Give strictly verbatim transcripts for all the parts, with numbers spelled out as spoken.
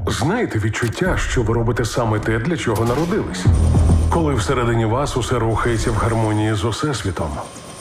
Знаєте відчуття, що ви робите саме те, для чого народились? Коли всередині вас усе рухається в гармонії з Усесвітом.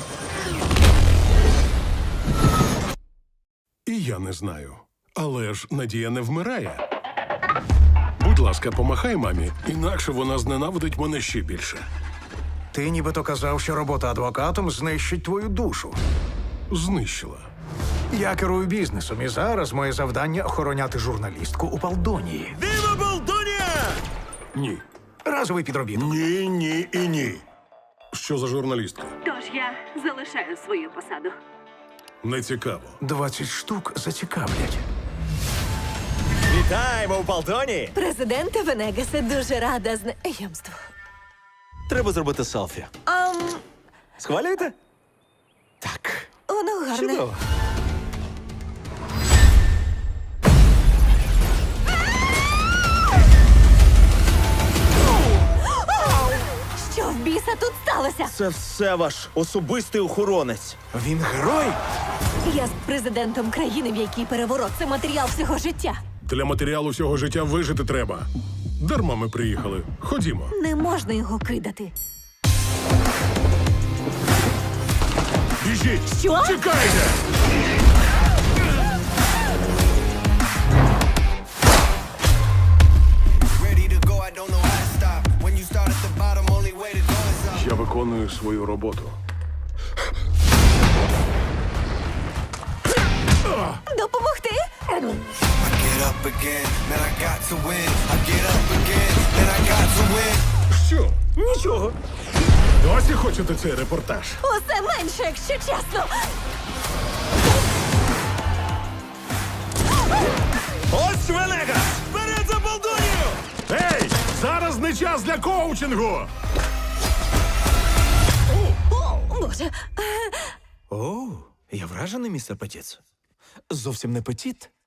І я не знаю. Але ж надія не вмирає. Будь ласка, помахай мамі, інакше вона зненавидить мене ще більше. Ти нібито казав, що робота адвокатом знищить твою душу. Знищила. Я керую бізнесом, і зараз моє завдання – охороняти журналістку у Палдонії. Віва Балдонія! Ні. Разовий підробіток. Ні, ні і ні. Що за журналістка? Тож я залишаю свою посаду. Не цікаво. Двадцять штук зацікавлять. Вітаємо у Балдоні! Президенте Венегасе, дуже рада знайомству. Треба зробити селфі. Ам, Схвалюєте? Так. воно гарне. Чудово. Що в біса тут сталося? Це все ваш особистий охоронець. Він герой? Я з президентом країни, в якій переворот – це матеріал всього життя. Для матеріалу всього життя вижити треба. Дарма ми приїхали. Ходімо. Не можна його кидати. Біжіть! Що? Чекайте! Ready to go, I don't know how to stop. When you start at the bottom, only way to go is up. Я виконую свою роботу. Допомогти? I get up again, man, I got to win. I get up again, man, I got to win. Що? Нічого. Досі хочете цей репортаж? Усе менше, якщо чесно. Ось Венегас! Вперед за Балдонію! Ей! Зараз не час для коучингу! О, Боже. О, я вражений, містер Петіц. Зовсім не петіт,